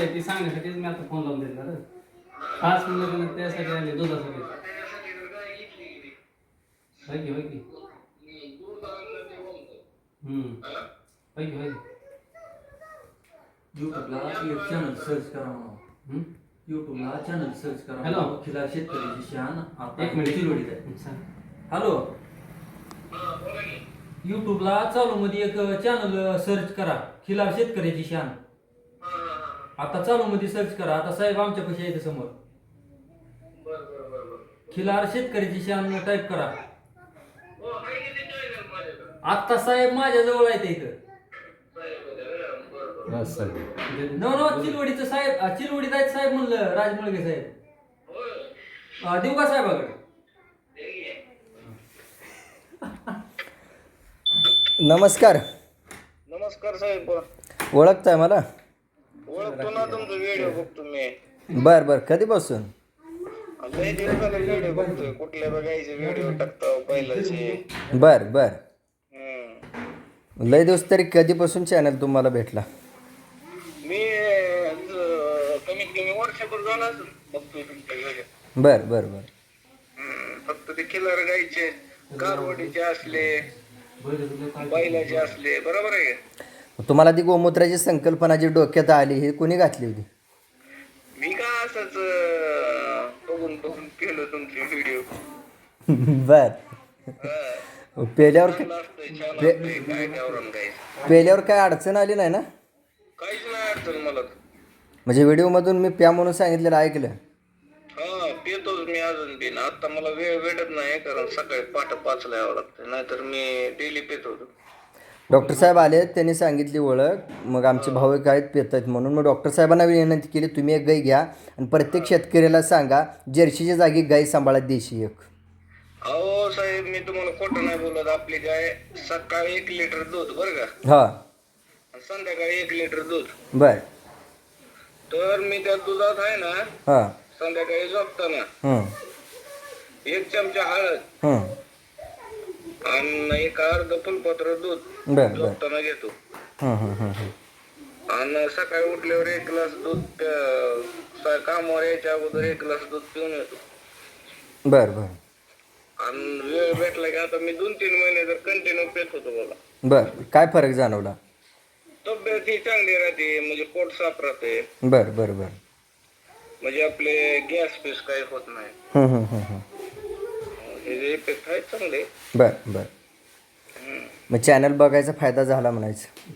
आहे ती सांगण्यासाठीच मी आता फोन लावून दिला रे. खास म्हणलं त्यासाठी आले दुधासाठी. होय की होय की. होय की होय की. यूट्यूबला एक चॅनल सर्च करा म्हणून. यूट्यूबला चॅनल सर्च करा. हॅलो. खिलार शेतकऱ्याची शान आता एक मिनिट चिरोडीत आहे. हॅलो. यूट्यूबला चालू मध्ये एक चॅनल सर्च करा, खिलार शेतकऱ्याची शान. आता चालू मध्ये सर्च करा. आता साहेब आमच्या पैसे येते समोर. खिलार शेतकऱ्याची शान टाईप करा. आता साहेब माझ्या जवळ आहे ते इथं. नो चिलवडीचं साहेब, चिलवडीत आहेत साहेब म्हणलं, राजमुळगे साहेब. देऊ का साहेबाकडे? नमस्कार. नमस्कार साहेब. ओळखताय मला? ओळखतो ना, तुमचा व्हिडिओ बघतो मी. बर बर. कधीपासून? लय दिवस झाले व्हिडिओ बघतोय. कुठल्या बघायचे व्हिडिओ टाकतो पहिल्याचे. बर बर. लय दिवस तरी कधीपासून चॅनल तुम्हाला भेटला? मी कमीत कमी वर्षभर झाला असेल बघतोय तुमच्या व्हिडिओ. बर बर बर. फक्त ते खिलार गायचे, कारवडीचे असले, बैलाचे असले, बरोबर आहे का? तुम्हाला ती गोमूत्राची संकल्पना जी डोक्यात आली ही कोणी घातली होती? मी का असंच बघून बघून केलं तुमचे व्हिडिओ. बर. पेल्यावर छान असतंय काय गावरान गायचं. पेल्यावर काय अडचण आली नाही ना? काहीच नाही अडचण मला. म्हणजे व्हिडिओमधून मी प्या म्हणून सांगितलेलं ऐकलं? हा, पितोच मी अजून बी. आता मला वेळ भेटत नाही, कारण सकाळी पहाटे 5ला यावं लागतं, नाहीतर मी डेली पित होतो. डॉक्टर साहेब आले, त्यांनी सांगितली ओळख. मग आमचे भाऊ काय पित आहेत म्हणून मग डॉक्टर साहेबांना विनंती केली, तुम्ही एक गाय घ्या आणि प्रत्येक शेतकऱ्याला सांगा जर्सीच्या जागी गाय सांभाळा देशी एक. अहो साहेब, मी तुम्हाला खोटं नाही बोलत. आपली गाय सकाळी 1 लिटर दूध बरं का, हा. आणि संध्याकाळी 1 लिटर दूध. बर. तर मी त्या दुधात आहे ना, हा. संध्याकाळी झोपताना 1 चमचा हळद आणि 1 अर्ध फुलपत्र दूध बर बर. झोपताना घेतो. आणि सकाळी उठल्यावर 1 ग्लास दूध, कामावर यायच्या अगोदर 1 ग्लास दूध पिऊन येतो. बर बर. आणि वेळ भेटला की आता मी 2-3 महिने जर कंटिन्यू पेत होतो बघा. बर. काय फरक जाणवला? तब्येत ही चांगली राहते, म्हणजे पोट साफ राहते, बर बर बर. म्हणजे आपले गॅस पीस काही होत नाही. हे इफेक्ट आहेत चांगले. बर बर. मग चॅनल बघायचा फायदा झाला म्हणायचं.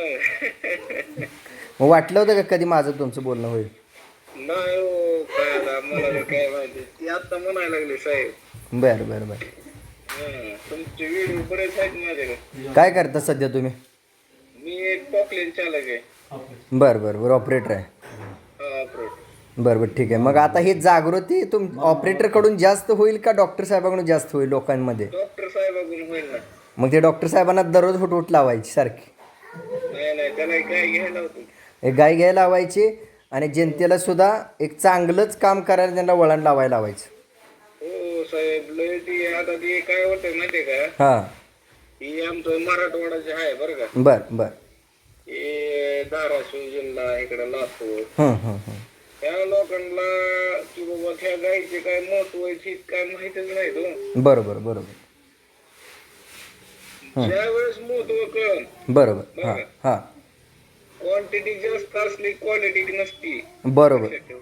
मग वाटलं होतं का कधी माझं तुमचं बोलणं होईल? नाही हो, काय आता मला काय माहिती, ती आता म्हणायला लागली साहेब. बर बर बर. तुमचे व्हिडिओ बरेच आहेत माझ्याकडे. काय करता सध्या तुम्ही? मी एक पॉकलेन चालक आहे. बर बर बर. ऑपरेटर आहे? बरं बरं, ठीक आहे. मग आता ही जागृती ऑपरेटरकडून जास्त होईल का डॉक्टर साहेबांकडून जास्त होईल लोकांमध्ये? डॉक्टर साहेबाकडून होईल ना. मग ते डॉक्टर साहेबांना दररोज हुटहुट लावायची सारखी? नाही, त्याला काय घ्यायला होतं. एक गाय घ्यायला लावायची आणि जनतेला सुद्धा एक चांगलंच काम करायला त्यांना वळण लावायला लावायचं. हो साहेब, लय ती आता ती काय होतं माहितीये का, हां. ही आमचं मराठवाडाचे आहे बरं का. बर बर. हे धाराशिव जिल्हा, इकडे लातूर, त्या लोकांना की बाबा त्या गायचे काय महत्व आहे काय माहितीच नाही तो. बरोबर बरोबर. ज्यावेळेस महत्व कळण, बरोबर. हां हां. क्वांटिटी जास्त असली क्वालिटी नसती. बरोबर